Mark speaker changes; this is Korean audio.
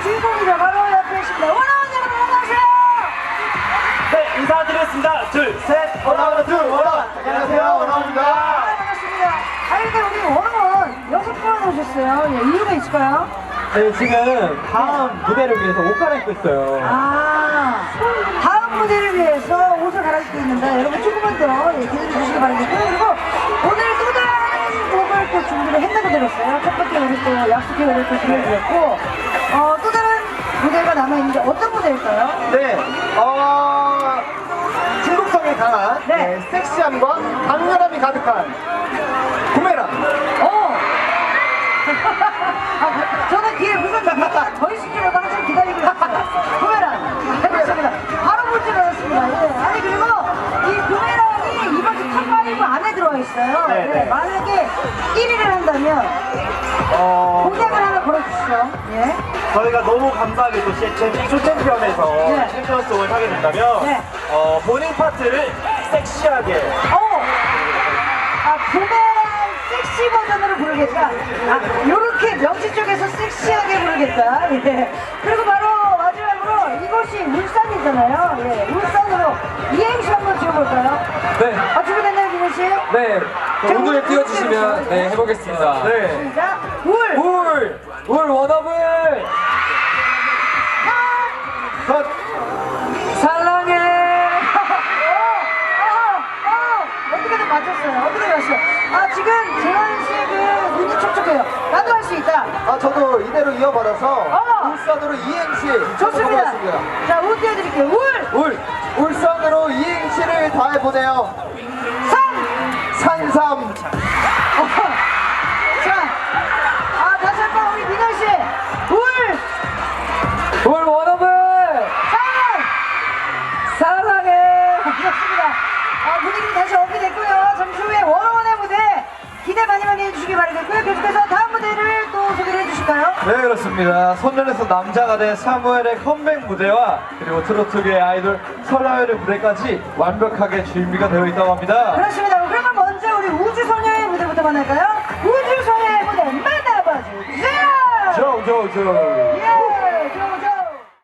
Speaker 1: 주인공이죠. 바로 옆에 계십니다. 원아원 여러분 안녕하세요.
Speaker 2: 네, 인사드리겠습니다. 둘, 셋.
Speaker 3: 원아원 둘 원아원. 안녕하세요, 원아원입니다.
Speaker 1: 반갑습니다. 근데 우리 원아원 6분 오셨어요. 예, 이유가 있을까요?
Speaker 3: 네, 지금 다음 무대를 위해서 옷 갈아입고 있어요.
Speaker 1: 다음 무대를 위해서 옷을 갈아입고 있는데 여러분 조금만 더 기다려 주시기 바라겠고요. 그리고 오늘 또 다른 곡을 또 준비를 했다고 들었어요. 첫 번째 우리 또 약속의 노래를 또 들려드렸고 또 다른 무대가 남아있는데 어떤 무대일까요?
Speaker 3: 네, 중독성이 강한
Speaker 1: 네.
Speaker 3: 섹시함과 강렬함이 가득한 구매랑.
Speaker 1: 저는 뒤에 무슨 얘기가 더 있을 줄 알고 항상 기다리고 있어요. 부메랑 해봤습니다. 바로 볼 줄 알았습니다. 예. 아니 그리고 이 부메랑이 이번 주 탑5 안에 들어와 있어요.
Speaker 3: 네, 네.
Speaker 1: 만약에 1위를 한다면 공약을 하나 걸어주시죠. 예.
Speaker 2: 저희가 너무 감사하게 또 쇼챔피언에서
Speaker 1: 네.
Speaker 2: 챔피언송을 하게 된다면
Speaker 1: 네.
Speaker 2: 본인 파트를 섹시하게
Speaker 1: 부메랑 섹시 버전으로 부르겠다. 요렇게 명치 쪽에서 섹시하게 부르겠다. 예. 그리고 바로 마지막으로 이곳이 울산이잖아요. 예. 울산으로 이행시 한번 지어볼까요?
Speaker 3: 네,
Speaker 1: 준비됐나요, 민호 씨?
Speaker 3: 네.
Speaker 1: 자,
Speaker 3: 오늘
Speaker 1: 울
Speaker 3: 띄워주시면 네 해보겠습니다. 네.
Speaker 1: 시작. 울.
Speaker 3: 울 원어블. 컷. 사랑해.
Speaker 1: 어떻게든 맞췄어요. 어떻게 맞췄어요? 지금 재환 씨의 그 눈이 촉촉해요. 나도 할 수 있다.
Speaker 3: 저도 이대로 이어받아서
Speaker 1: 어.
Speaker 3: 울산으로 이행시
Speaker 1: 좋습니다.
Speaker 3: 해보겠습니다.
Speaker 1: 자, 울 띄워드릴게요. 울.
Speaker 3: 울산으로 이행시를 다 해보네요. 산삼.
Speaker 1: 자, 다시 한 번 우리 민호 씨.
Speaker 3: 울 원어블. 사랑해.
Speaker 1: 좋습니다. 분위기 다시 업이됐고요. 잠시 후에 원어원의 무대 기대 많이 해주시기 바라겠고요. 계속해서 다음 무대를 또 소개를 해주실까요?
Speaker 3: 네, 그렇습니다. 소년에서 남자가 된 사무엘의 컴백 무대와 그리고 트로트계의 아이돌 설아열의 무대까지 완벽하게 준비가 되어 있다고 합니다.
Speaker 1: 그렇습니다. 그러면 먼저 우리 우주소녀의 무대부터 만날까요? 우주소녀의 무대 만나봐 주세요.
Speaker 3: 조조조.
Speaker 1: 예!